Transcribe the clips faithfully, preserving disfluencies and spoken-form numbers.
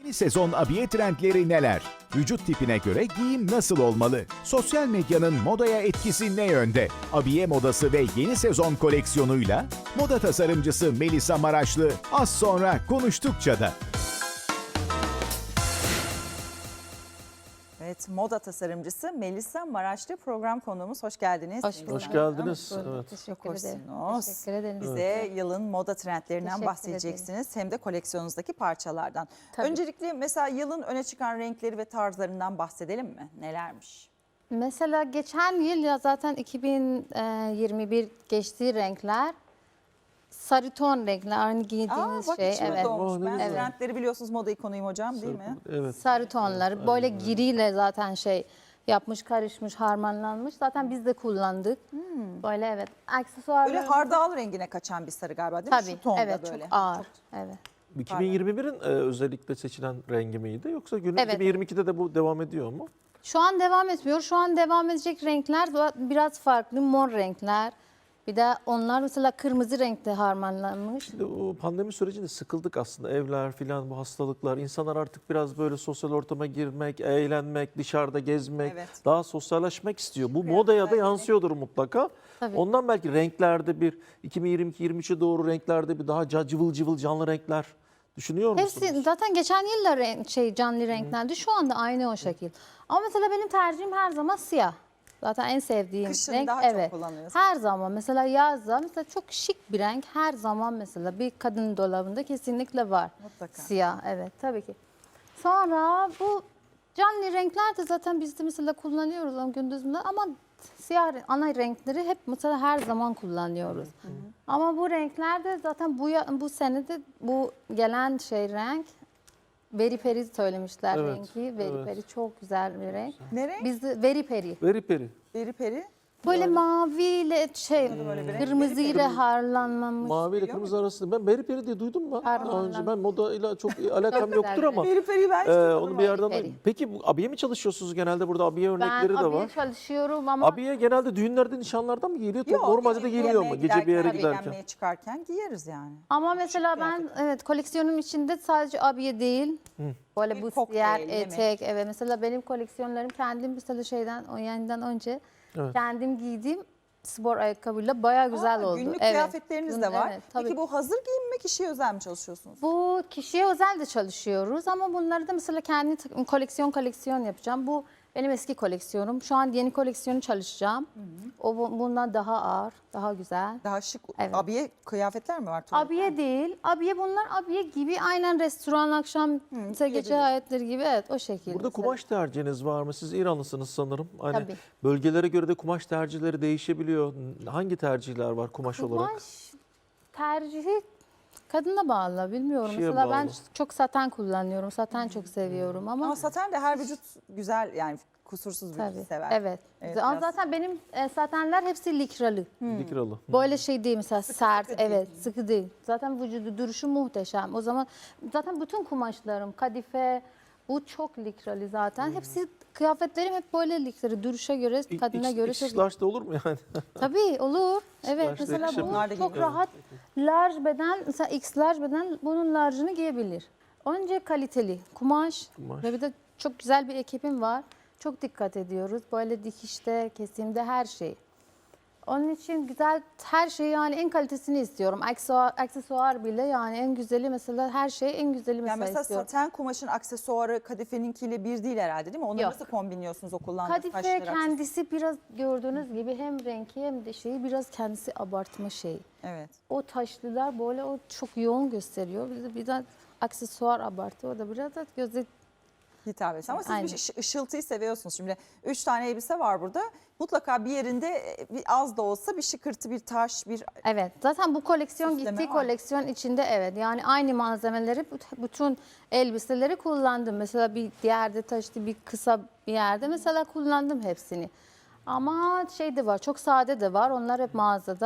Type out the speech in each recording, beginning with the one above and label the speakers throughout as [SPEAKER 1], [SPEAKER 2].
[SPEAKER 1] Yeni sezon abiye trendleri neler? Vücut tipine göre giyim nasıl olmalı? Sosyal medyanın modaya etkisi ne yönde? Abiye modası ve yeni sezon koleksiyonuyla moda tasarımcısı Melisa Maraşlı az sonra konuştukça da.
[SPEAKER 2] Evet, moda tasarımcısı Melisa Maraşlı program konuğumuz. Hoş geldiniz.
[SPEAKER 3] Hoş bulduk.
[SPEAKER 4] Hoş geldiniz.
[SPEAKER 3] Hoş bulduk.
[SPEAKER 4] Evet.
[SPEAKER 3] Teşekkür ederim.
[SPEAKER 2] Hoşsunuz.
[SPEAKER 3] Teşekkür ederim.
[SPEAKER 2] Bize yılın moda trendlerinden
[SPEAKER 3] Teşekkür
[SPEAKER 2] bahsedeceksiniz. Hem de koleksiyonunuzdaki parçalardan.
[SPEAKER 3] Tabii.
[SPEAKER 2] Öncelikle mesela yılın öne çıkan renkleri ve tarzlarından bahsedelim mi? Nelermiş?
[SPEAKER 3] Mesela geçen yıl ya zaten iki bin yirmi bir geçtiği renkler sarı ton renkler aynı
[SPEAKER 2] Aa,
[SPEAKER 3] giydiğiniz
[SPEAKER 2] bak
[SPEAKER 3] şey.
[SPEAKER 2] içime
[SPEAKER 3] Evet.
[SPEAKER 2] doğmuş.
[SPEAKER 4] Oh, ne
[SPEAKER 2] Ben
[SPEAKER 4] güzel.
[SPEAKER 2] trendleri biliyorsunuz, moda ikonuyum hocam, değil mi?
[SPEAKER 4] Evet.
[SPEAKER 3] Sarı tonları böyle giriyle zaten şey yapmış, karışmış, harmanlanmış. Zaten biz de kullandık. Böyle evet. Aksesuarlar.
[SPEAKER 2] Böyle hardal rengine kaçan bir sarı galiba, değil mi?
[SPEAKER 3] Tabii.
[SPEAKER 2] Şu tonda
[SPEAKER 3] Evet,
[SPEAKER 2] böyle.
[SPEAKER 3] çok ağır. Evet.
[SPEAKER 4] iki bin yirmi birin e, özellikle seçilen rengi miydi yoksa günün
[SPEAKER 3] Evet.
[SPEAKER 4] iki bin yirmi ikide de bu devam ediyor mu?
[SPEAKER 3] Şu an devam etmiyor. Şu an devam edecek renkler biraz farklı. Mor renkler. Bir de onlar mesela kırmızı renkte harmanlanmış.
[SPEAKER 4] Şimdi o pandemi sürecinde sıkıldık aslında, evler filan, bu hastalıklar. İnsanlar artık biraz böyle sosyal ortama girmek, eğlenmek, dışarıda gezmek,
[SPEAKER 2] Evet.
[SPEAKER 4] daha sosyalleşmek istiyor. Bu modaya da yansıyordur mutlaka.
[SPEAKER 3] Tabii.
[SPEAKER 4] Ondan belki renklerde bir iki bin yirmi iki yirmi üçe doğru renklerde bir daha ca- cıvıl cıvıl canlı renkler düşünüyor musunuz?
[SPEAKER 3] Hepsi zaten geçen yıllar renk, şey canlı renklerdi. Şu anda aynı o şekil. Ama mesela benim tercihim her zaman siyah. Zaten en sevdiğim
[SPEAKER 2] Kışın
[SPEAKER 3] renk.
[SPEAKER 2] daha çok
[SPEAKER 3] Evet.
[SPEAKER 2] kullanıyorsun.
[SPEAKER 3] Her zaman mesela yazda mesela çok şık bir renk her zaman mesela bir kadın dolabında kesinlikle var.
[SPEAKER 2] Mutlaka.
[SPEAKER 3] Siyah evet tabii ki. Sonra bu canlı renkler de zaten biz de mesela kullanıyoruz ama gündüzünde ama siyah re- ana renkleri hep mesela her zaman kullanıyoruz. Ama bu renkler de zaten bu ya- bu sene de bu gelen şey renk Veri peri söylemişler
[SPEAKER 4] Evet,
[SPEAKER 3] rengi. Veri
[SPEAKER 4] evet.
[SPEAKER 3] peri çok güzel bir renk.
[SPEAKER 2] Ne renk?
[SPEAKER 3] Biz de veri peri.
[SPEAKER 4] Veri peri.
[SPEAKER 2] Peri peri.
[SPEAKER 3] Böyle maviyle şey
[SPEAKER 2] böyle bir renk.
[SPEAKER 3] kırmızıyla harlanmamış.
[SPEAKER 4] Mavi ile kırmızı arasında. Ben beri peri diye duydum mu?
[SPEAKER 3] Pardon.
[SPEAKER 4] Daha önce ben modayla çok alakam
[SPEAKER 3] güzel
[SPEAKER 4] yoktur
[SPEAKER 3] bir
[SPEAKER 4] ama.
[SPEAKER 2] Peri peri ben hiç
[SPEAKER 4] Ee,
[SPEAKER 2] duymadım
[SPEAKER 4] onu bir yerden.
[SPEAKER 3] Peri.
[SPEAKER 4] Peki bu abiye mi çalışıyorsunuz genelde? Burada abiye
[SPEAKER 3] Ben
[SPEAKER 4] örnekleri de
[SPEAKER 3] abiye
[SPEAKER 4] var.
[SPEAKER 3] çalışıyorum ama
[SPEAKER 4] Abiye genelde düğünlerde, nişanlarda mı giyiliyor?
[SPEAKER 2] Yok,
[SPEAKER 4] Normalde
[SPEAKER 2] gece
[SPEAKER 4] de giyiliyor
[SPEAKER 2] yemeğe
[SPEAKER 4] mu? Gece bir yere
[SPEAKER 2] giderken,
[SPEAKER 4] giderken.
[SPEAKER 2] eğlenmeye çıkarken giyeriz yani.
[SPEAKER 3] ama mesela ben evet koleksiyonum içinde sadece abiye değil. Böyle
[SPEAKER 2] Bir
[SPEAKER 3] bu
[SPEAKER 2] kokteyl,
[SPEAKER 3] diğer
[SPEAKER 2] yemek.
[SPEAKER 3] etek evet mesela benim koleksiyonlarım kendim mesela şeyden o yayından önce
[SPEAKER 4] Evet.
[SPEAKER 3] kendim giydiğim spor ayakkabıyla bayağı güzel
[SPEAKER 2] Aa,
[SPEAKER 3] oldu.
[SPEAKER 2] Günlük
[SPEAKER 3] Evet.
[SPEAKER 2] kıyafetleriniz
[SPEAKER 3] Gün-
[SPEAKER 2] de var.
[SPEAKER 3] evet, tabii.
[SPEAKER 2] Peki bu hazır giyim mi, kişiye özel mi çalışıyorsunuz?
[SPEAKER 3] Bu kişiye özel de çalışıyoruz ama bunları da mesela kendi takım- koleksiyon koleksiyon yapacağım. Bu benim eski koleksiyonum. Şu an yeni koleksiyonu çalışacağım. O bu- bundan daha ağır, daha güzel.
[SPEAKER 2] Daha şık
[SPEAKER 3] Evet.
[SPEAKER 2] abiye kıyafetler mi var? tuvalet?
[SPEAKER 3] Abiye değil. Abiye bunlar abiye gibi aynen restoran akşam mesela gece
[SPEAKER 2] giyebiliriz.
[SPEAKER 3] hayatları gibi evet o şekilde.
[SPEAKER 4] Burada kumaş tercihiniz var mı? Siz İranlısınız sanırım. Hani
[SPEAKER 3] Tabii.
[SPEAKER 4] bölgelere göre de kumaş tercihleri değişebiliyor. Hangi tercihler var kumaş, olarak?
[SPEAKER 3] Kumaş tercihi kadına bağlı bilmiyorum.
[SPEAKER 4] Kişiye
[SPEAKER 3] Mesela ben
[SPEAKER 4] bağlı.
[SPEAKER 3] çok saten kullanıyorum. Saten çok seviyorum ama
[SPEAKER 2] Ama saten de her vücut güzel yani kusursuz vücut
[SPEAKER 3] tabii.
[SPEAKER 2] sever.
[SPEAKER 3] Evet.
[SPEAKER 2] Evet,
[SPEAKER 3] Ama
[SPEAKER 2] biraz-
[SPEAKER 3] zaten benim e, satenler hepsi likralı.
[SPEAKER 4] Likralı.
[SPEAKER 3] Böyle şey değil mesela sert
[SPEAKER 2] sıkı değil.
[SPEAKER 3] evet sıkı değil. Zaten vücudu duruşu muhteşem. O zaman zaten bütün kumaşlarım kadife bu çok likralı zaten. Hepsi kıyafetlerim hep böyle likralı. Duruşa göre
[SPEAKER 4] İ-
[SPEAKER 3] kadına
[SPEAKER 4] X-
[SPEAKER 3] göre
[SPEAKER 4] X
[SPEAKER 3] çok
[SPEAKER 4] large da olur mu yani?
[SPEAKER 3] Tabii olur. Evet
[SPEAKER 4] large
[SPEAKER 3] mesela
[SPEAKER 4] yakışabilir.
[SPEAKER 2] Bunlar da
[SPEAKER 3] bu çok
[SPEAKER 2] giyiyor.
[SPEAKER 3] rahat large beden mesela X large beden bunun large'ını giyebilir. Önce kaliteli kumaş,
[SPEAKER 4] Kumaş.
[SPEAKER 3] ve bir de çok güzel bir ekibim var. Çok dikkat ediyoruz. Böyle dikişte, kesimde her şey. Onun için güzel her şey yani en kalitesini istiyorum. Aksesuar, aksesuar bile yani en güzeli mesela her şey en güzeli mesela,
[SPEAKER 2] Yani mesela
[SPEAKER 3] istiyorum.
[SPEAKER 2] saten kumaşın aksesuarı kadifeninkiyle bir değil herhalde, değil mi? Onları
[SPEAKER 3] Yok.
[SPEAKER 2] nasıl kombinliyorsunuz o kullandığınız
[SPEAKER 3] Kadife
[SPEAKER 2] taşları, aksesuarı?
[SPEAKER 3] kendisi biraz gördüğünüz gibi hem renki hem de şeyi biraz kendisi abartma şeyi.
[SPEAKER 2] Evet.
[SPEAKER 3] O taşlılar böyle o çok yoğun gösteriyor. Bir de, bir de aksesuar abartı. O da biraz da göze
[SPEAKER 2] Hitap etsin. Ama siz
[SPEAKER 3] Aynen.
[SPEAKER 2] bir ış- ışıltıyı seviyorsunuz. Şimdi üç tane elbise var burada. Mutlaka bir yerinde e, bir az da olsa bir şıkırtı, bir taş, bir
[SPEAKER 3] evet. Zaten bu koleksiyon
[SPEAKER 2] Süsleme
[SPEAKER 3] gittiği
[SPEAKER 2] var.
[SPEAKER 3] koleksiyon içinde evet. Yani aynı malzemeleri büt- bütün elbiseleri kullandım. Mesela bir yerde taşlı bir kısa bir yerde mesela kullandım hepsini. Ama şey de var çok sade de var. Onlar hep mağazada.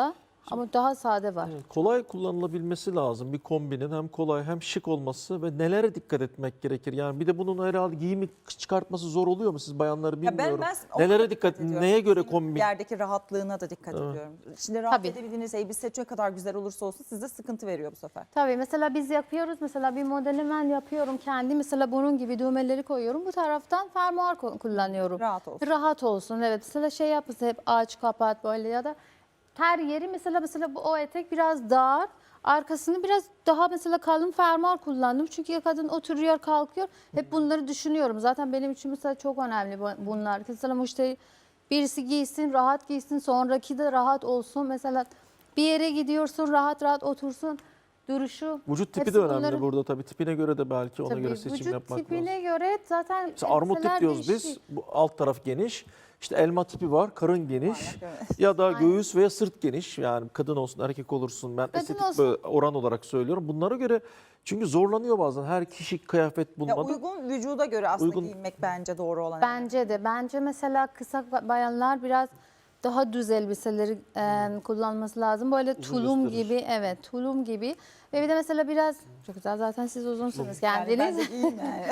[SPEAKER 3] Ama daha sade var.
[SPEAKER 4] Evet, kolay kullanılabilmesi lazım bir kombinin, hem kolay hem şık olması ve nelere dikkat etmek gerekir? Yani bir de bunun herhalde giyimi çıkartması zor oluyor mu siz bayanları
[SPEAKER 2] Ya ben,
[SPEAKER 4] bilmiyorum.
[SPEAKER 2] ben ona
[SPEAKER 4] Nelere dikkat,
[SPEAKER 2] ediyorum.
[SPEAKER 4] neye göre
[SPEAKER 2] Giydiğim
[SPEAKER 4] kombin?
[SPEAKER 2] Yerdeki rahatlığına da dikkat
[SPEAKER 4] Evet.
[SPEAKER 2] ediyorum. Şimdi rahat
[SPEAKER 3] Tabii.
[SPEAKER 2] edebildiğiniz elbise ne kadar güzel olursa olsun sizde sıkıntı veriyor bu sefer.
[SPEAKER 3] Tabii mesela biz yapıyoruz. Mesela bir modeli ben yapıyorum kendi. Mesela bunun gibi düğmeleri koyuyorum. Bu taraftan fermuar ku- kullanıyorum.
[SPEAKER 2] Rahat olsun.
[SPEAKER 3] Rahat olsun. Evet. Mesela şey yapması hep aç kapat böyle ya da her yeri mesela mesela bu o etek biraz dar. Arkasını biraz daha mesela kalın fermuar kullandım. Çünkü kadın oturuyor, kalkıyor. Hep bunları düşünüyorum. Zaten benim için mesela çok önemli bu- bunlar. Mesela müşteri birisi giysin, rahat giysin, sonraki de rahat olsun. Mesela bir yere gidiyorsun, rahat rahat otursun. Duruşu.
[SPEAKER 4] Vücut tipi
[SPEAKER 3] hepsi
[SPEAKER 4] de önemli
[SPEAKER 3] bunların-
[SPEAKER 4] burada tabii. Tipine göre de belki ona
[SPEAKER 3] Tabii,
[SPEAKER 4] göre seçim
[SPEAKER 3] vücut
[SPEAKER 4] yapmak
[SPEAKER 3] tipine
[SPEAKER 4] lazım.
[SPEAKER 3] göre zaten
[SPEAKER 4] Mesela armut tip
[SPEAKER 3] elbiseler
[SPEAKER 4] diyoruz biz.
[SPEAKER 3] değişik.
[SPEAKER 4] Bu alt taraf geniş. İşte elma tipi var, karın geniş.
[SPEAKER 2] Aynen, evet.
[SPEAKER 4] Ya da
[SPEAKER 3] Aynen.
[SPEAKER 4] göğüs veya sırt geniş. Yani kadın olsun, erkek olursun. Ben
[SPEAKER 3] Kadın
[SPEAKER 4] estetik
[SPEAKER 3] olsun.
[SPEAKER 4] böyle oran olarak söylüyorum. Bunlara göre çünkü zorlanıyor bazen. Her kişi kıyafet
[SPEAKER 2] Ya
[SPEAKER 4] bulmadı.
[SPEAKER 2] uygun vücuda göre aslında
[SPEAKER 4] Uygun-
[SPEAKER 2] giyinmek bence doğru olan.
[SPEAKER 3] Bence de. Bence mesela kısa bayanlar biraz daha düz elbiseleri e, kullanması lazım. Böyle
[SPEAKER 4] Uzun
[SPEAKER 3] tulum
[SPEAKER 4] gösterir.
[SPEAKER 3] gibi, evet tulum gibi. Ve bir de mesela biraz, çok güzel zaten siz uzunsunuz
[SPEAKER 2] Yani ben
[SPEAKER 3] kendiniz.
[SPEAKER 2] de giyeyim yani.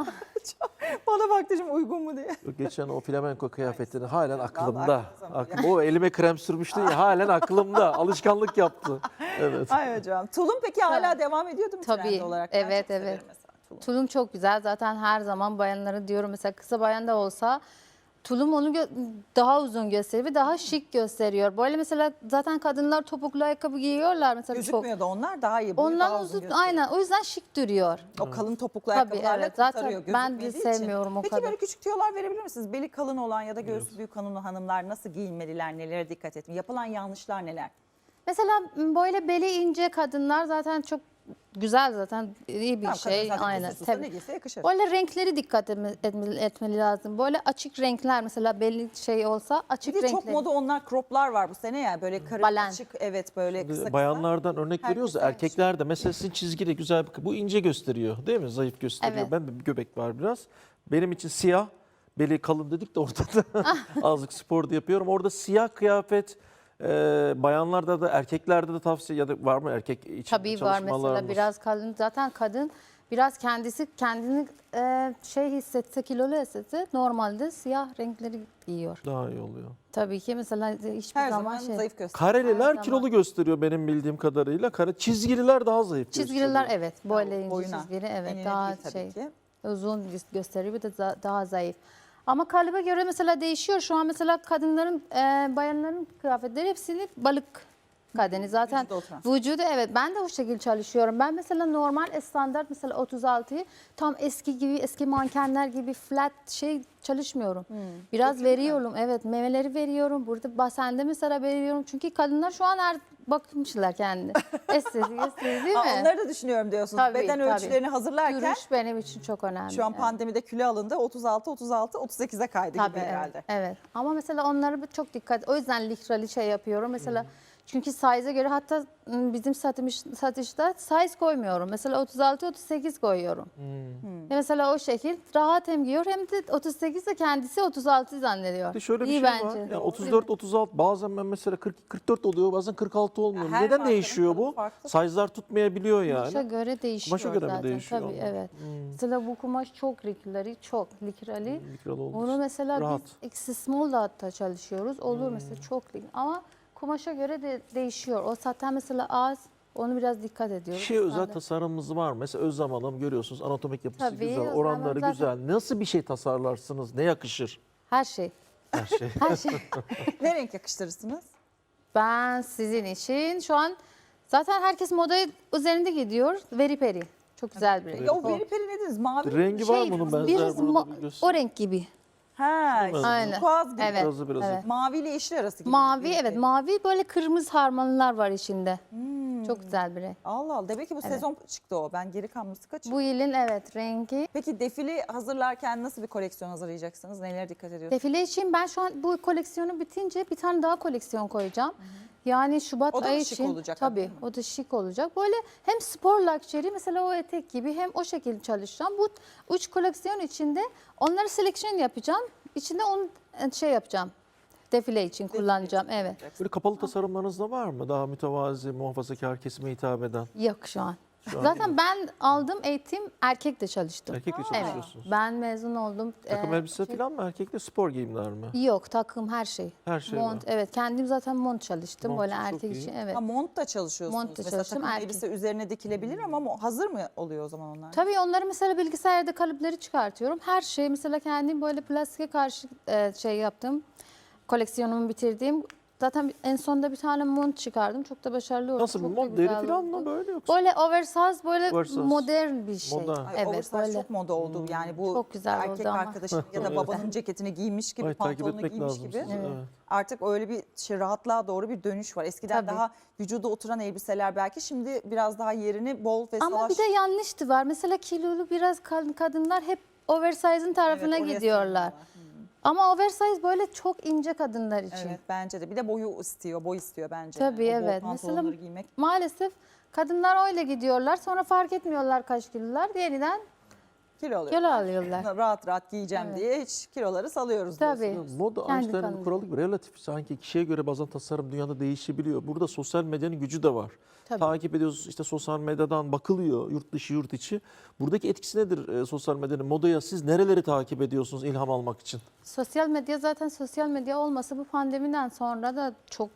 [SPEAKER 2] Çok- Bana baktı şimdi uygun mu diye.
[SPEAKER 4] Geçen o flamenko kıyafetini halen aklımda.
[SPEAKER 2] aklınıza mı?
[SPEAKER 4] Aklım, o elime krem sürmüştün ya halen aklımda. Alışkanlık yaptı. Evet.
[SPEAKER 2] Ay hocam. Tulum peki hala devam ediyordu mu
[SPEAKER 3] Tabii,
[SPEAKER 2] trend olarak? Ben
[SPEAKER 3] evet,
[SPEAKER 2] çok severim
[SPEAKER 3] evet.
[SPEAKER 2] mesela tulum.
[SPEAKER 3] Tulum çok güzel. Zaten her zaman bayanları diyorum mesela kısa bayan da olsa tulum onu gö- daha uzun gösteriyor ve daha şık gösteriyor. Böyle mesela zaten kadınlar topuklu ayakkabı giyiyorlar mesela çok.
[SPEAKER 2] Gözükmüyor da onlar daha iyi. boyu
[SPEAKER 3] Ondan
[SPEAKER 2] daha
[SPEAKER 3] uzun
[SPEAKER 2] gösteriyor.
[SPEAKER 3] aynen o yüzden şık duruyor.
[SPEAKER 2] O kalın topuklu
[SPEAKER 3] Tabii,
[SPEAKER 2] ayakkabılarla
[SPEAKER 3] evet. Zaten
[SPEAKER 2] kurtarıyor.
[SPEAKER 3] ben de
[SPEAKER 2] gözükmediği için.
[SPEAKER 3] sevmiyorum o
[SPEAKER 2] Peki
[SPEAKER 3] kadar.
[SPEAKER 2] böyle küçük tüyolar verebilir misiniz? Beli kalın olan ya da göğsü büyük hanım hanımlar nasıl giyinmeliler, nelere dikkat etmeli? Yapılan yanlışlar neler?
[SPEAKER 3] Mesela böyle beli ince kadınlar zaten çok güzel zaten iyi bir
[SPEAKER 2] Tamam, kadın
[SPEAKER 3] şey
[SPEAKER 2] zaten
[SPEAKER 3] aynen.
[SPEAKER 2] kusursuzsa
[SPEAKER 3] Tabii.
[SPEAKER 2] ne giyse yakışır.
[SPEAKER 3] Böyle renkleri dikkat etme- etmeli, etmeli lazım. Böyle açık renkler mesela belli şey olsa açık
[SPEAKER 2] Bir de
[SPEAKER 3] renkler.
[SPEAKER 2] çok moda onlar croplar var bu sene ya böyle karı
[SPEAKER 3] Balen.
[SPEAKER 2] açık evet böyle kısa kısa.
[SPEAKER 4] Bayanlardan örnek
[SPEAKER 2] Herkes
[SPEAKER 4] veriyoruz da
[SPEAKER 2] sevmiş.
[SPEAKER 4] erkekler de mesela sizin çizgili güzel bir bu ince gösteriyor değil mi? Zayıf gösteriyor.
[SPEAKER 3] Evet.
[SPEAKER 4] Ben de bir göbek var biraz. Benim için siyah beli kalın dedik de ortada azıcık spor da yapıyorum. Orada siyah kıyafet e, bayanlarda da erkeklerde de tavsiye ya da var mı erkek için
[SPEAKER 3] Tabii var mesela
[SPEAKER 4] çalışmalarınız?
[SPEAKER 3] biraz kadın zaten kadın biraz kendisi kendini e, şey hissetse kilolu hissetse normalde siyah renkleri giyiyor.
[SPEAKER 4] Daha iyi oluyor.
[SPEAKER 3] Tabii ki mesela hiçbir
[SPEAKER 2] Her
[SPEAKER 3] zaman,
[SPEAKER 2] zaman
[SPEAKER 3] şey.
[SPEAKER 2] zayıf gösteriyor.
[SPEAKER 4] Kareliler
[SPEAKER 3] zaman.
[SPEAKER 4] kilolu gösteriyor benim bildiğim kadarıyla. Kare çizgililer daha zayıf
[SPEAKER 3] Çizgiler
[SPEAKER 4] gösteriyor.
[SPEAKER 3] evet böyle ince
[SPEAKER 2] Boyuna,
[SPEAKER 3] çizgili evet
[SPEAKER 2] enine
[SPEAKER 3] daha
[SPEAKER 2] değil tabii
[SPEAKER 3] şey
[SPEAKER 2] ki.
[SPEAKER 3] uzun gö- gösteriyor bir de za- daha zayıf. Ama kalıba göre mesela değişiyor. Şu an mesela kadınların, e, bayanların kıyafetleri hepsini balık kadeni. Zaten
[SPEAKER 2] Vücuda oturan.
[SPEAKER 3] vücudu evet ben de o şekilde çalışıyorum. Ben mesela normal standart mesela otuz altıyı tam eski gibi eski mankenler gibi flat şey çalışmıyorum. Biraz veriyorum evet memeleri veriyorum. Burada basende mesela veriyorum. Çünkü kadınlar şu an her bakmışlar kendine. Estetik estetik değil mi?
[SPEAKER 2] Ha, onları da düşünüyorum diyorsunuz.
[SPEAKER 3] Tabii,
[SPEAKER 2] Beden
[SPEAKER 3] tabii.
[SPEAKER 2] ölçülerini hazırlarken
[SPEAKER 3] Duruş benim için çok önemli.
[SPEAKER 2] şu an
[SPEAKER 3] evet.
[SPEAKER 2] pandemide kilo alındı otuz altı otuz altı otuz sekize kaydı
[SPEAKER 3] Tabii
[SPEAKER 2] gibi
[SPEAKER 3] evet,
[SPEAKER 2] herhalde.
[SPEAKER 3] evet. Ama mesela onları bir çok dikkat. O yüzden likrali şey yapıyorum. Mesela çünkü size'a göre hatta ım, bizim satış, satışta size koymuyorum. Mesela otuz altı otuz sekiz koyuyorum. Ya mesela o şekil rahat hem giyiyor hem de otuz sekiz de kendisi otuz altı zannediyor.
[SPEAKER 4] Bir de şöyle bir
[SPEAKER 3] İyi
[SPEAKER 4] şey
[SPEAKER 3] bence.
[SPEAKER 4] var. Yani
[SPEAKER 3] Değil
[SPEAKER 4] otuz
[SPEAKER 3] mi?
[SPEAKER 4] dört otuz altı bazen ben mesela kırk kırk dört oluyor bazen kırk altı olmuyor.
[SPEAKER 2] Her
[SPEAKER 4] Neden
[SPEAKER 2] markanın
[SPEAKER 4] değişiyor
[SPEAKER 2] kalıbı
[SPEAKER 4] bu?
[SPEAKER 2] farklı.
[SPEAKER 4] Size'lar tutmayabiliyor
[SPEAKER 3] Kumaşa
[SPEAKER 4] yani.
[SPEAKER 3] göre değişiyor
[SPEAKER 4] Kumaşa göre mi
[SPEAKER 3] zaten.
[SPEAKER 4] değişiyor
[SPEAKER 3] Tabii
[SPEAKER 4] ama?
[SPEAKER 3] evet. Mesela bu kumaş çok likrali, çok likrali.
[SPEAKER 4] Likralı olduğu
[SPEAKER 3] Onu
[SPEAKER 4] için.
[SPEAKER 3] mesela
[SPEAKER 4] Rahat.
[SPEAKER 3] biz X small da hatta çalışıyoruz. Olur mesela çok lik- ama kumaşa göre de değişiyor. O zaten mesela az. Onu biraz dikkat ediyoruz.
[SPEAKER 4] Şey özel
[SPEAKER 3] Standart.
[SPEAKER 4] tasarımımız var mı? Mesela Özlem Hanım görüyorsunuz anatomik yapısı
[SPEAKER 3] Tabii,
[SPEAKER 4] güzel,
[SPEAKER 3] Özlem
[SPEAKER 4] oranları
[SPEAKER 3] Hanım zaten-
[SPEAKER 4] güzel. Nasıl bir şey tasarlarsınız? Ne yakışır?
[SPEAKER 3] Her şey.
[SPEAKER 4] Her şey.
[SPEAKER 3] Her şey.
[SPEAKER 2] Ne renk yakıştırırsınız?
[SPEAKER 3] Ben sizin için şu an zaten herkes moda üzerinde gidiyor. Veri peri. Çok güzel bir renk.
[SPEAKER 2] Ya o veri peri ne dediniz? Mavi mi?
[SPEAKER 4] Rengi var mı bunun benzer?
[SPEAKER 3] biraz
[SPEAKER 4] Burada
[SPEAKER 3] ma-
[SPEAKER 4] bir göster-
[SPEAKER 3] o renk gibi.
[SPEAKER 2] Ha,
[SPEAKER 4] Değil mi?
[SPEAKER 3] Aynen.
[SPEAKER 2] Kuaz gibi.
[SPEAKER 3] Evet.
[SPEAKER 4] Birazı birazı.
[SPEAKER 3] evet.
[SPEAKER 2] Mavi ile yeşil arası gibi.
[SPEAKER 3] Mavi
[SPEAKER 2] bir
[SPEAKER 3] evet
[SPEAKER 2] renk.
[SPEAKER 3] mavi böyle kırmızı harmanlar var içinde. Çok güzel bir renk.
[SPEAKER 2] Allah Allah. Demek ki bu
[SPEAKER 3] Evet.
[SPEAKER 2] sezon çıktı o. Ben geri kalması kaçırdım.
[SPEAKER 3] Bu yılın evet rengi.
[SPEAKER 2] Peki defile hazırlarken nasıl bir koleksiyon hazırlayacaksınız? Nelere dikkat ediyorsunuz?
[SPEAKER 3] Defile için ben şu an bu koleksiyonu bitince bir tane daha koleksiyon koyacağım. Yani Şubat
[SPEAKER 2] O da mı
[SPEAKER 3] ayı
[SPEAKER 2] şık
[SPEAKER 3] için
[SPEAKER 2] olacak
[SPEAKER 3] tabii
[SPEAKER 2] hakikaten?
[SPEAKER 3] o da şık olacak. Böyle hem spor luxury mesela o etek gibi hem o şekilde çalışacağım. Bu üç koleksiyon içinde onları selection yapacağım. İçinde onu şey yapacağım. defile için kullanacağım.
[SPEAKER 2] için
[SPEAKER 3] Evet.
[SPEAKER 2] kullanacaksın.
[SPEAKER 4] Böyle kapalı tasarımlarınız da var mı? Daha mütevazi, muhafazakar kesime hitap eden.
[SPEAKER 3] Yok şu an.
[SPEAKER 4] Şu an
[SPEAKER 3] Zaten ben aldığım eğitim erkekle çalıştım.
[SPEAKER 4] Erkekle
[SPEAKER 3] Evet.
[SPEAKER 4] çalışıyorsunuz.
[SPEAKER 3] Ben mezun oldum.
[SPEAKER 4] Takım
[SPEAKER 3] Ee,
[SPEAKER 4] elbise
[SPEAKER 3] şey-
[SPEAKER 4] falan mı? Erkekle spor giyimler mi?
[SPEAKER 3] Yok, takım her şey.
[SPEAKER 4] Her şey
[SPEAKER 3] Mont,
[SPEAKER 4] var.
[SPEAKER 3] evet. Kendim zaten mont çalıştım.
[SPEAKER 4] Mont
[SPEAKER 3] böyle
[SPEAKER 4] çok
[SPEAKER 3] erkek
[SPEAKER 4] iyi.
[SPEAKER 3] için. Evet.
[SPEAKER 2] Ha, mont da çalışıyorsunuz.
[SPEAKER 3] Mont da
[SPEAKER 2] Mesela
[SPEAKER 3] çalıştım,
[SPEAKER 2] takım
[SPEAKER 3] erkek.
[SPEAKER 2] elbise üzerine dikilebilir ama mo- hazır mı oluyor o zaman onlar?
[SPEAKER 3] Tabii onları mesela bilgisayarda kalıpları çıkartıyorum. Her şey mesela kendim böyle plastike karşı e, şey yaptım. Koleksiyonumu bitirdiğim. Zaten en sonunda bir tane mont çıkardım. Çok da başarılı oldu.
[SPEAKER 4] Nasıl bir
[SPEAKER 3] Çok da
[SPEAKER 4] mont? Deri
[SPEAKER 3] güzel
[SPEAKER 4] falan
[SPEAKER 3] oldu.
[SPEAKER 4] mı böyle yoksa?
[SPEAKER 3] Böyle oversize, böyle
[SPEAKER 4] Oversize.
[SPEAKER 3] modern bir şey.
[SPEAKER 4] Modern.
[SPEAKER 2] Ay,
[SPEAKER 3] Evet,
[SPEAKER 2] oversize
[SPEAKER 3] böyle.
[SPEAKER 2] çok moda oldu. Yani bu
[SPEAKER 3] Çok güzel oldu
[SPEAKER 2] erkek
[SPEAKER 3] ama.
[SPEAKER 2] arkadaşın ya da
[SPEAKER 4] Evet.
[SPEAKER 2] babanın ceketini giymiş gibi,
[SPEAKER 4] Ay, takip
[SPEAKER 2] pantolonunu
[SPEAKER 4] etmek
[SPEAKER 2] giymiş
[SPEAKER 4] lazım
[SPEAKER 2] gibi.
[SPEAKER 4] sizi. Evet.
[SPEAKER 2] Artık öyle bir şey, rahatlığa doğru bir dönüş var. Eskiden
[SPEAKER 3] Tabii.
[SPEAKER 2] daha vücuda oturan elbiseler belki, şimdi biraz daha yerini bol ve
[SPEAKER 3] Ama
[SPEAKER 2] salaş.
[SPEAKER 3] bir de yanlıştı var. Mesela kilolu biraz kad- kadınlar hep oversize'ın tarafına
[SPEAKER 2] Evet, oraya
[SPEAKER 3] gidiyorlar.
[SPEAKER 2] sarıyorlar.
[SPEAKER 3] Ama oversize böyle çok ince kadınlar için.
[SPEAKER 2] Evet, bence de. Bir de boyu istiyor, boy istiyor bence.
[SPEAKER 3] Tabii,
[SPEAKER 2] Yani. O bol
[SPEAKER 3] evet.
[SPEAKER 2] pantolonları
[SPEAKER 3] Mesela-
[SPEAKER 2] giymek.
[SPEAKER 3] Maalesef kadınlar öyle gidiyorlar. Sonra fark etmiyorlar kaç kilolar. Yeniden
[SPEAKER 2] Kilo alıyor.
[SPEAKER 3] kilo alıyorlar.
[SPEAKER 2] Rahat rahat giyeceğim
[SPEAKER 3] Evet.
[SPEAKER 2] diye hiç kiloları salıyoruz
[SPEAKER 3] Tabii.
[SPEAKER 2] diyorsunuz.
[SPEAKER 4] Ya moda
[SPEAKER 3] Kendi
[SPEAKER 4] Einstein'ın
[SPEAKER 3] kanını.
[SPEAKER 4] kuralı gibi relatif, sanki kişiye göre bazen tasarım dünyada değişebiliyor. Burada sosyal medyanın gücü de var.
[SPEAKER 3] Tabii.
[SPEAKER 4] Takip ediyoruz, işte sosyal medyadan bakılıyor, yurt dışı yurt içi. Buradaki etkisi nedir e, sosyal medyanın modaya? Siz nereleri takip ediyorsunuz ilham almak için?
[SPEAKER 3] Sosyal medya, zaten sosyal medya olmasa bu pandemiden sonra da çok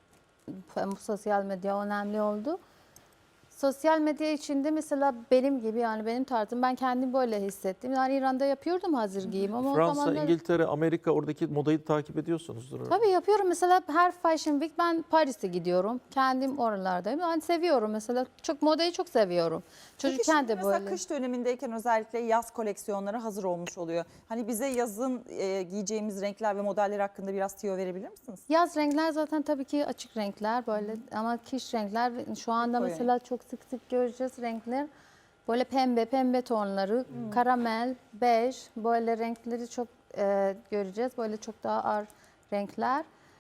[SPEAKER 3] bu sosyal medya önemli oldu. Sosyal medya içinde mesela benim gibi, yani benim tarzım, ben kendim böyle hissettim. Yani İran'da yapıyordum hazır giyim ama o
[SPEAKER 4] Fransa,
[SPEAKER 3] zamanlar...
[SPEAKER 4] İngiltere, Amerika, oradaki modayı takip ediyorsunuzdur. herhalde.
[SPEAKER 3] Tabii yapıyorum. Mesela her Fashion Week ben Paris'e gidiyorum. Kendim oralardayım. Yani seviyorum mesela. Çok modayı çok seviyorum.
[SPEAKER 2] Peki
[SPEAKER 3] Çocukken
[SPEAKER 2] şimdi
[SPEAKER 3] de
[SPEAKER 2] mesela
[SPEAKER 3] böyle.
[SPEAKER 2] kış dönemindeyken özellikle yaz koleksiyonları hazır olmuş oluyor. Hani bize yazın e, giyeceğimiz renkler ve modeller hakkında biraz tüyo verebilir misiniz?
[SPEAKER 3] Yaz renkler zaten tabii ki açık renkler böyle, ama kış renkler şu anda
[SPEAKER 2] Koyu
[SPEAKER 3] mesela çok sık sık göreceğiz renkler. Böyle pembe, pembe tonları, karamel, bej, böyle renkleri çok e, göreceğiz. Böyle çok daha ağır renkler.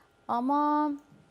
[SPEAKER 3] Ama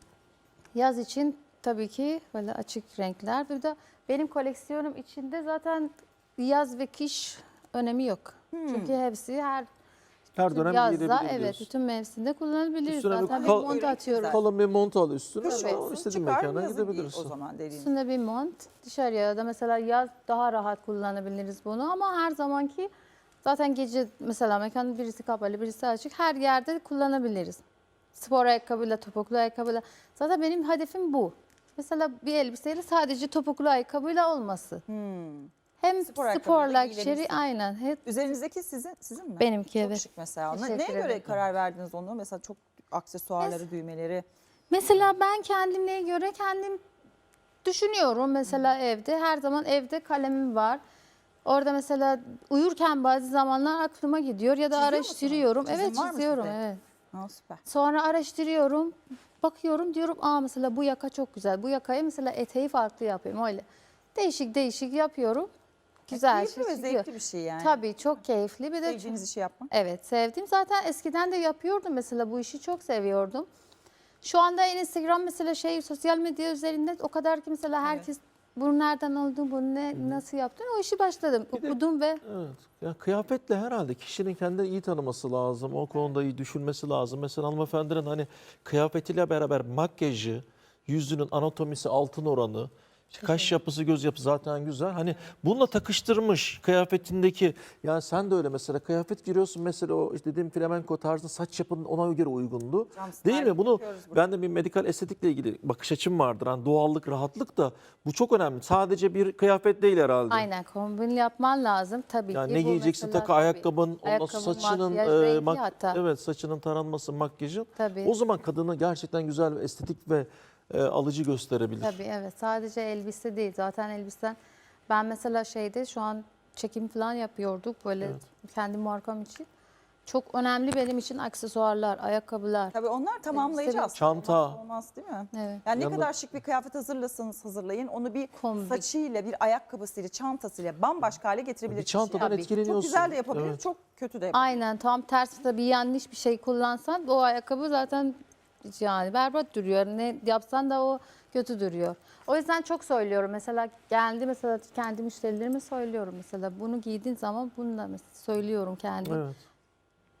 [SPEAKER 3] yaz için tabii ki böyle açık renkler. Bir de benim koleksiyonum içinde zaten yaz ve kış önemi yok. Çünkü hepsi her
[SPEAKER 4] Her dönem
[SPEAKER 3] yazda,
[SPEAKER 4] giyilebilir
[SPEAKER 3] evet,
[SPEAKER 4] diyorsun.
[SPEAKER 3] bütün mevsimde kullanabiliriz.
[SPEAKER 4] Üstüne bir
[SPEAKER 3] Zaten bir
[SPEAKER 4] kal-
[SPEAKER 3] mont atıyorum.
[SPEAKER 4] Kalın bir mont al üstüne,
[SPEAKER 2] Kış
[SPEAKER 4] o
[SPEAKER 2] olsun,
[SPEAKER 4] istediğin
[SPEAKER 2] çıkar,
[SPEAKER 4] mekana
[SPEAKER 2] yazın giy
[SPEAKER 4] gidebilirsin.
[SPEAKER 2] o zaman dediğiniz.
[SPEAKER 3] Üstünde bir mont. Dışarıya da mesela yaz daha rahat kullanabiliriz bunu, ama her zamanki zaten gece mesela mekanın birisi kapalı, birisi açık, her yerde kullanabiliriz. Spor ayakkabıyla, topuklu ayakkabıyla. Zaten benim hedefim bu. Mesela bir elbiseyle sadece topuklu ayakkabıyla olması.
[SPEAKER 2] Hmm.
[SPEAKER 3] Hem
[SPEAKER 2] Spor
[SPEAKER 3] spor,
[SPEAKER 2] ayakkabıyla
[SPEAKER 3] luxury,
[SPEAKER 2] giyilebilsin.
[SPEAKER 3] aynen. Hep
[SPEAKER 2] Üzerinizdeki sizin sizin mi?
[SPEAKER 3] benimki,
[SPEAKER 2] Çok
[SPEAKER 3] evet.
[SPEAKER 2] şık mesela. Ne-
[SPEAKER 3] Teşekkür
[SPEAKER 2] Neye göre
[SPEAKER 3] ederim.
[SPEAKER 2] karar verdiniz onu? Mesela çok aksesuarları, düğmeleri.
[SPEAKER 3] Mesela ben kendime göre kendim düşünüyorum. Mesela evde, her zaman evde kalemim var. Orada mesela uyurken bazı zamanlar aklıma gidiyor ya da
[SPEAKER 2] Çiziyor
[SPEAKER 3] araştırıyorum.
[SPEAKER 2] musunuz?
[SPEAKER 3] Evet,
[SPEAKER 2] Çizim var mı
[SPEAKER 3] çiziyorum,
[SPEAKER 2] sizde?
[SPEAKER 3] evet.
[SPEAKER 2] Ha, süper.
[SPEAKER 3] Sonra araştırıyorum, bakıyorum, diyorum aa mesela bu yaka çok güzel. Bu yakayı mesela eteği farklı yapayım, öyle. Değişik değişik yapıyorum. Güzel
[SPEAKER 2] Keyifli
[SPEAKER 3] şey
[SPEAKER 2] ve
[SPEAKER 3] çıkıyor.
[SPEAKER 2] zevkli bir şey yani.
[SPEAKER 3] Tabii çok keyifli. Bir de çok-
[SPEAKER 2] Sevdiğiniz işi yapmak.
[SPEAKER 3] evet, sevdim. Zaten eskiden de yapıyordum mesela, bu işi çok seviyordum. Şu anda Instagram mesela şey, sosyal medya üzerinde o kadar ki mesela herkes bunu nereden aldın, bunu ne, nasıl yaptın, o işi başladım.
[SPEAKER 4] Bir de-
[SPEAKER 3] Okudum ve
[SPEAKER 4] Evet. Ya kıyafetle herhalde kişinin kendini iyi tanıması lazım. O konuda iyi düşünmesi lazım. Mesela hanımefendinin hani kıyafetiyle beraber makyajı, yüzünün anatomisi, altın oranı, işte kaş yapısı, göz yapısı zaten güzel. Hani bununla takıştırmış kıyafetindeki, yani sen de öyle mesela kıyafet giriyorsun mesela, o işte dediğim flamenko tarzı saç yapının ona göre uygundu.
[SPEAKER 2] Cam
[SPEAKER 4] Değil
[SPEAKER 2] styling
[SPEAKER 4] mi? Bunu
[SPEAKER 2] yapıyoruz burada.
[SPEAKER 4] ben de bir medikal estetikle ilgili bakış açım vardır. Hani doğallık, rahatlık da bu çok önemli. Sadece bir kıyafet değil herhalde.
[SPEAKER 3] aynen kombin yapman lazım tabii
[SPEAKER 4] Yani
[SPEAKER 3] ki.
[SPEAKER 4] ne
[SPEAKER 3] Bu
[SPEAKER 4] giyeceksin,
[SPEAKER 3] mesela
[SPEAKER 4] takı,
[SPEAKER 3] tabii.
[SPEAKER 4] ayakkabın, ondan
[SPEAKER 3] Ayakkabı,
[SPEAKER 4] sonra saçının,
[SPEAKER 3] makyaj,
[SPEAKER 4] e,
[SPEAKER 3] renkli
[SPEAKER 4] mak-
[SPEAKER 3] hatta.
[SPEAKER 4] evet, saçının taranması, makyajın.
[SPEAKER 3] Tabii.
[SPEAKER 4] O zaman kadını gerçekten güzel ve estetik ve e, alıcı gösterebilir.
[SPEAKER 3] Tabii, evet, sadece elbise değil. Zaten elbisen, ben mesela şeyde şu an çekim falan yapıyorduk böyle
[SPEAKER 4] Evet.
[SPEAKER 3] kendi markam için. Çok önemli benim için aksesuarlar, ayakkabılar.
[SPEAKER 2] Tabii onlar tamamlayıcı
[SPEAKER 3] Elbise-
[SPEAKER 2] aslında.
[SPEAKER 4] Çanta.
[SPEAKER 2] Olmazsa olmaz değil mi?
[SPEAKER 3] Evet.
[SPEAKER 2] Yani ne
[SPEAKER 4] Yanında-
[SPEAKER 2] kadar şık bir kıyafet hazırlasanız hazırlayın, onu bir
[SPEAKER 3] Kombi.
[SPEAKER 2] saçıyla, bir ayakkabısıyla, çantasıyla bambaşka hale getirebilir.
[SPEAKER 4] Bir
[SPEAKER 2] kişi
[SPEAKER 4] çantadan
[SPEAKER 2] yani.
[SPEAKER 4] etkileniyorsun.
[SPEAKER 2] Çok güzel de yapabilir,
[SPEAKER 4] Evet.
[SPEAKER 2] çok kötü de yapabilir.
[SPEAKER 3] Aynen, tam tersi de bir yanlış bir şey kullansan o ayakkabı zaten yani berbat duruyor. Ne yapsan da o kötü duruyor. O yüzden çok söylüyorum. Mesela geldi, mesela kendi müşterilerime söylüyorum. Mesela bunu giydiğin zaman bunu da mesela söylüyorum kendim.
[SPEAKER 4] Evet.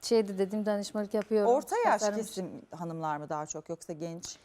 [SPEAKER 3] şeydi dedim danışmanlık yapıyorum.
[SPEAKER 2] Orta yaş
[SPEAKER 3] tasarım-
[SPEAKER 2] kesim hanımlar mı daha çok yoksa genç?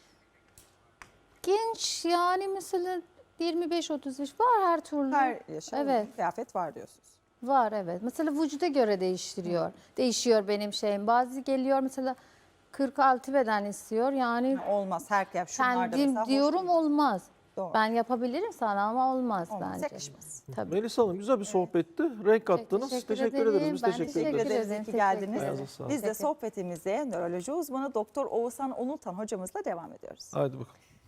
[SPEAKER 3] Genç yani mesela yirmi beş otuz yaş var her türlü.
[SPEAKER 2] Her yaşa
[SPEAKER 3] Evet.
[SPEAKER 2] uygun kıyafet var diyorsunuz.
[SPEAKER 3] Var evet. Mesela vücuda göre değiştiriyor. Değişiyor benim şeyim. Bazı geliyor mesela kırk altı beden istiyor. Yani
[SPEAKER 2] Olmaz her kıyafet. Şunlarda
[SPEAKER 3] kendim
[SPEAKER 2] mesela hoş
[SPEAKER 3] diyorum
[SPEAKER 2] değil.
[SPEAKER 3] olmaz.
[SPEAKER 2] Doğru.
[SPEAKER 3] Ben yapabilirim sana ama olmaz,
[SPEAKER 2] Olmaz,
[SPEAKER 3] bence.
[SPEAKER 2] yakışmaz.
[SPEAKER 3] Tabii.
[SPEAKER 4] Melisa Hanım güzel bir sohbetti. Renk kattınız.
[SPEAKER 3] teşekkür
[SPEAKER 4] Teşekkür,
[SPEAKER 3] ederim.
[SPEAKER 4] ederiz. Biz
[SPEAKER 3] Ben
[SPEAKER 4] teşekkür,
[SPEAKER 2] Teşekkür
[SPEAKER 4] ederiz.
[SPEAKER 2] ederiz.
[SPEAKER 3] ederim.
[SPEAKER 2] İyi ki geldiniz.
[SPEAKER 3] Teşekkür
[SPEAKER 4] ederim. Ayağınıza sağlık.
[SPEAKER 2] Biz de
[SPEAKER 3] Teşekkür.
[SPEAKER 2] sohbetimize nöroloji uzmanı Doktor Oğuzhan Onultan hocamızla devam ediyoruz.
[SPEAKER 4] Haydi bakalım.